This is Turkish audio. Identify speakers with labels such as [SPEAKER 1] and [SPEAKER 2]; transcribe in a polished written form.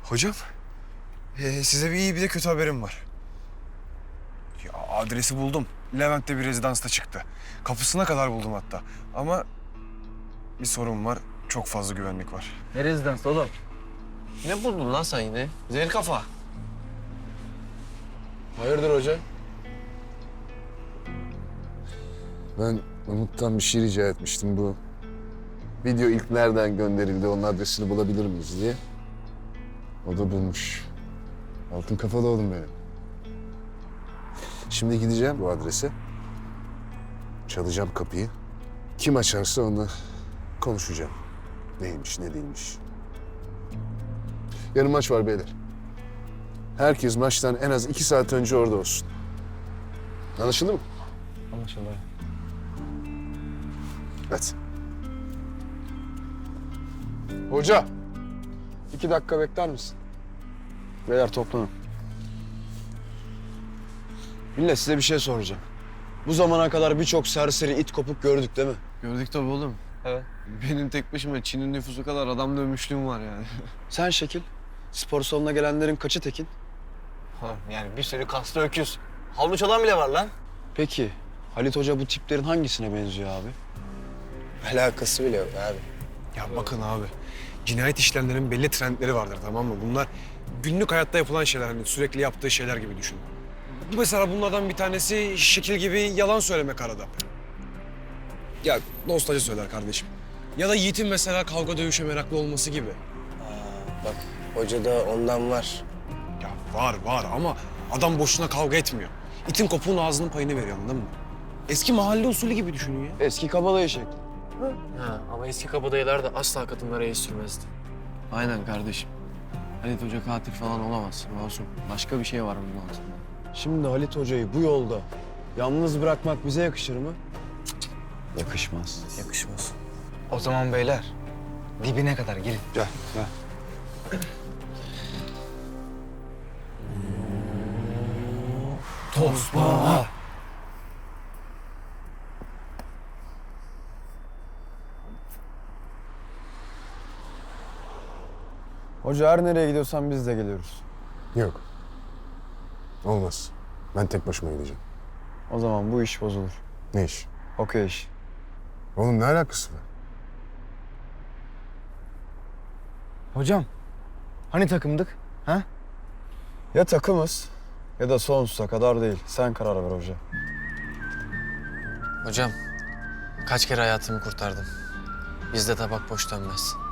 [SPEAKER 1] Hocam, size bir iyi bir de kötü haberim var. Ya, adresi buldum. Levent'te bir rezidansta çıktı. Kapısına kadar buldum hatta. Ama bir sorun var. Çok fazla güvenlik var.
[SPEAKER 2] Ne rezidans oğlum? Ne buldun lan sen yine? Zehir kafa.
[SPEAKER 3] Hayırdır hoca?
[SPEAKER 4] Ben Umut'tan bir şey rica etmiştim bu. Video ilk nereden gönderildi, onun adresini bulabilir miyiz diye. O da bulmuş. Altın kafalı oğlum benim. Şimdi gideceğim bu adrese. Çalacağım kapıyı. Kim açarsa onunla konuşacağım. Neymiş, ne değilmiş. Yarın maç var beyler. Herkes maçtan en az 2 saat önce orada olsun. Anlaşıldı mı?
[SPEAKER 2] Anlaşıldı.
[SPEAKER 4] Hadi.
[SPEAKER 3] Hoca! 2 dakika bekler misin? Beyler toplanın. Millet size bir şey soracağım. Bu zamana kadar birçok serseri it kopuk gördük değil mi?
[SPEAKER 2] Gördük tabii oğlum.
[SPEAKER 3] Evet.
[SPEAKER 2] Benim tek başıma Çin'in nüfusu kadar adam dövmüşlüğüm var yani.
[SPEAKER 3] Sen şekil. Spor salonuna gelenlerin kaçı tekin?
[SPEAKER 2] Yani bir sürü kaslı öküz. Havlu çalan bile var lan.
[SPEAKER 3] Peki Halit Hoca bu tiplerin hangisine benziyor abi?
[SPEAKER 5] Alakası bile yok abi.
[SPEAKER 1] Ya bakın abi, cinayet işlemlerinin belli trendleri vardır, tamam mı? Bunlar günlük hayatta yapılan şeyler, hani sürekli yaptığı şeyler gibi düşün. Mesela bunlardan bir tanesi şekil gibi yalan söylemek arada. Ya dostacı söyler kardeşim. Ya da Yiğit'in mesela kavga dövüşe meraklı olması gibi.
[SPEAKER 5] Bak hocada ondan var.
[SPEAKER 1] Ya var ama adam boşuna kavga etmiyor. İtin kopuğun ağzının payını veriyor, anladın mı? Eski mahalle usulü gibi düşünün ya.
[SPEAKER 3] Eski kabadayı şekli.
[SPEAKER 6] Ha, ama eski kabadayılar da asla kadınlara el sürmezdi.
[SPEAKER 2] Aynen kardeşim. Halit Hoca katil falan olamaz. Masum. Başka bir şey var bunun altında.
[SPEAKER 3] Şimdi Halit Hoca'yı bu yolda yalnız bırakmak bize yakışır mı? Yakışmaz.
[SPEAKER 5] Yakışmaz.
[SPEAKER 7] O zaman beyler dibine kadar gelin.
[SPEAKER 3] Gel, gel.
[SPEAKER 2] Tosbağa.
[SPEAKER 3] Hoca her nereye gidiyorsan biz de geliyoruz.
[SPEAKER 4] Yok. Olmaz. Ben tek başıma gideceğim.
[SPEAKER 3] O zaman bu iş bozulur.
[SPEAKER 4] Ne iş?
[SPEAKER 3] Okey iş.
[SPEAKER 4] Oğlum ne alakası var?
[SPEAKER 7] Hocam hani takımdık? Ha?
[SPEAKER 3] Ya takımız ya da sonsuza kadar değil. Sen karar ver hoca.
[SPEAKER 6] Hocam, kaç kere hayatımı kurtardım. Bizde tabak boş dönmez.